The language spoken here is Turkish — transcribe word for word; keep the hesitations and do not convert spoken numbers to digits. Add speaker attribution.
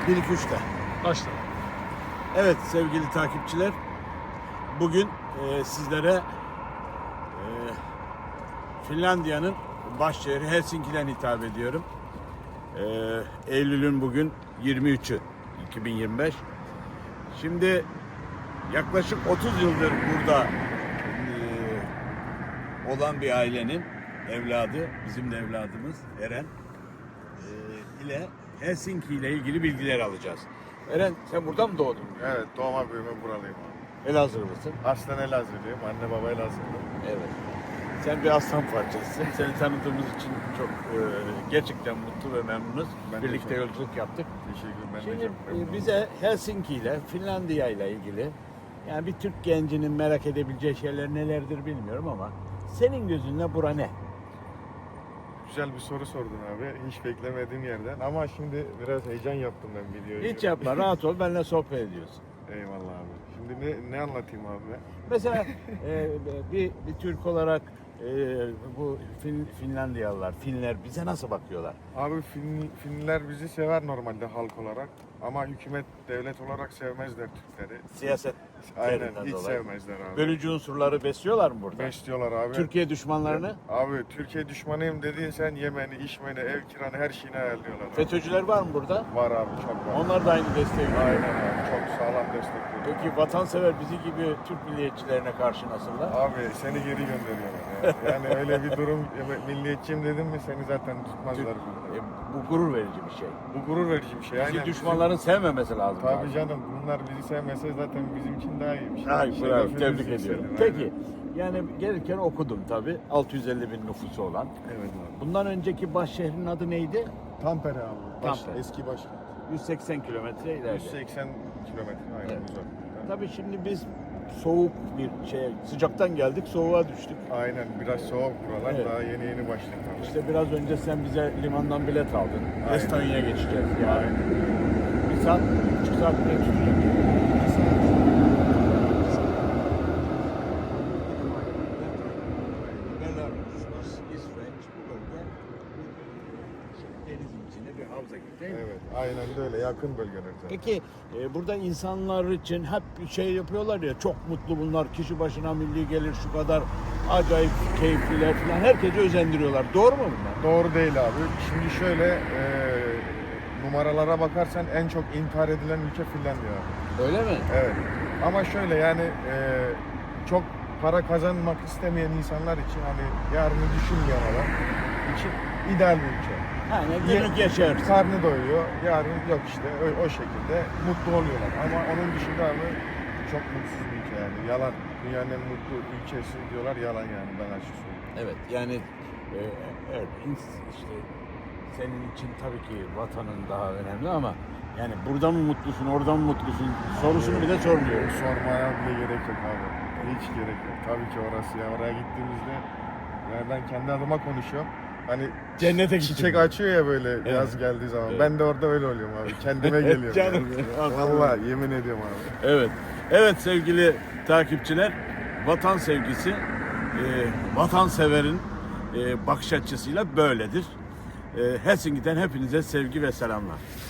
Speaker 1: bir iki üçte.
Speaker 2: Başla.
Speaker 1: Evet sevgili takipçiler, bugün e, sizlere e, Finlandiya'nın başşehri Helsinki'den hitap ediyorum. E, Eylül'ün bugün yirmi üçü iki bin yirmi beş. Şimdi yaklaşık otuz yıldır burada e, olan bir ailenin evladı, bizim de evladımız Eren e, ile Helsinki ile ilgili bilgiler alacağız. Eren, sen burada mı doğdun?
Speaker 3: Evet, doğma büyüme buralıyım abi.
Speaker 1: Elazığlı mısın?
Speaker 3: Aslen Elazığlıyım, anne baba Elazığlı.
Speaker 1: Evet. Sen bir aslan parçasısın. Seni tanıdığımız için çok e, gerçekten mutlu ve memnunuz.
Speaker 3: Ben de
Speaker 1: Birlikte
Speaker 3: çok-
Speaker 1: yolculuk yaptık.
Speaker 3: Teşekkür ben
Speaker 1: Şimdi
Speaker 3: de çok memnunum.
Speaker 1: e, bize Helsinki ile Finlandiya ile ilgili, yani bir Türk gencinin merak edebileceği şeyler nelerdir bilmiyorum ama senin gözünle bura ne?
Speaker 3: Güzel bir soru sordun abi, hiç beklemediğim yerden. Ama şimdi biraz heyecan yaptım ben videoyu.
Speaker 1: Hiç yapma, rahat ol, benimle sohbet ediyorsun.
Speaker 3: Eyvallah abi. Şimdi ne, ne anlatayım abi ben?
Speaker 1: Mesela e, bir, bir Türk olarak e, bu fin, Finlandiyalılar, Finler bize nasıl bakıyorlar?
Speaker 3: Abi Fin, Finliler bizi sever normalde halk olarak. Ama hükümet, devlet olarak sevmezler Türkleri.
Speaker 1: Siyaset
Speaker 3: Aynen,
Speaker 1: üzerinden
Speaker 3: hiç
Speaker 1: dolayı.
Speaker 3: sevmezler abi.
Speaker 1: Bölücü unsurları besliyorlar mı burada?
Speaker 3: Besliyorlar abi.
Speaker 1: Türkiye düşmanlarını?
Speaker 3: Abi Türkiye düşmanıyım dediğin sen yemeni, içmeni, ev kiranı her şeyini ayarlıyorlar abi.
Speaker 1: FETÖ'cüler var mı burada?
Speaker 3: Var abi, çok var.
Speaker 1: Onlar da aynı desteği veriyor.
Speaker 3: Aynen abi, çok sağlam destekliyor.
Speaker 1: Peki vatansever bizi gibi Türk milliyetçilerine karşı nasıllar?
Speaker 3: Abi seni geri gönderiyorlar ya. Yani öyle bir durum, milliyetçiyim dedim mi seni zaten tutmazlar burada.
Speaker 1: E, bu gurur verici bir şey.
Speaker 3: Bu gurur verici bir şey.
Speaker 1: Bizi
Speaker 3: Aynen.
Speaker 1: düşmanların sevmemesi lazım.
Speaker 3: Tabii
Speaker 1: abi.
Speaker 3: canım, bunlar bizi sevmese zaten bizim için daha iyi bir şey.
Speaker 1: Ay,
Speaker 3: İşte
Speaker 1: bravo,
Speaker 3: lafı
Speaker 1: tebrik
Speaker 3: bizi
Speaker 1: ediyorum.
Speaker 3: seviyor,
Speaker 1: Peki, yani gelirken okudum tabii. altı yüz elli bin nüfusu olan.
Speaker 3: aynen. Evet abi.
Speaker 1: Bundan önceki baş şehrin adı neydi?
Speaker 3: Tampere abi. Baş,
Speaker 1: Tampere.
Speaker 3: Eski başkent.
Speaker 1: yüz seksen kilometre ileride.
Speaker 3: yüz seksen kilometre aynen
Speaker 1: Evet.
Speaker 3: uzak.
Speaker 1: Tabii şimdi biz soğuk bir şey, sıcaktan geldik, soğuğa düştük.
Speaker 3: Aynen, biraz soğuk buralar.
Speaker 1: Evet.
Speaker 3: Daha yeni yeni başladı.
Speaker 1: İşte biraz önce sen bize limandan bilet aldın.
Speaker 3: Aynen.
Speaker 1: Estonya'ya geçeceğiz yani. Bir saat, bir buçuk saat bile tutacak. Belarus, İsveç, bu bölge denizin içinde bir havza gibi değil mi?
Speaker 3: Evet, aynen de öyle. Yakın bölgeler zaten.
Speaker 1: Peki e, burada insanlar için hep bir şey yapıyorlar ya, çok mutlu bunlar, kişi başına milli gelir şu kadar, acayip keyifliler falan, herkese özendiriyorlar. Doğru mu bunlar?
Speaker 3: Doğru değil abi. Şimdi şöyle e, numaralara bakarsan en çok intihar edilen ülke Finlandiya abi.
Speaker 1: Öyle mi?
Speaker 3: Evet. Ama şöyle yani e, çok para kazanmak istemeyen insanlar için hani yarını düşünmeyen adam için ideal bir ülke.
Speaker 1: Yani günlük yaşarsın.
Speaker 3: Karnı doyuyor, yarın yok işte o, o şekilde mutlu oluyorlar. Ama onun dışında abi çok mutsuz bir ülke yani. Yalan. Dünyanın en mutlu ülkesi diyorlar, yalan yani, ben açık söyleyeyim.
Speaker 1: Evet, yani e, evet, ins- işte senin için tabii ki vatanın daha önemli ama yani burada mı mutlusun, orada mı mutlusun sorusunu bile sormuyoruz.
Speaker 3: Sormaya bile gerek yok abi. Hiç gerek yok. Tabii ki orası ya. Oraya gittiğimizde yani ben kendi adıma konuşuyorum. Hani
Speaker 1: Cennete
Speaker 3: çiçek
Speaker 1: gittim.
Speaker 3: açıyor ya böyle
Speaker 1: Evet.
Speaker 3: yaz geldiği zaman.
Speaker 1: Evet.
Speaker 3: Ben de orada öyle oluyorum abi. Kendime geliyorum.
Speaker 1: Canım
Speaker 3: yani.
Speaker 1: benim.
Speaker 3: Vallahi yemin ediyorum abi.
Speaker 1: Evet. Evet sevgili takipçiler, vatan sevgisi e, vatanseverin e, bakış açısıyla böyledir. E, Helsinki'den hepinize sevgi ve selamlar.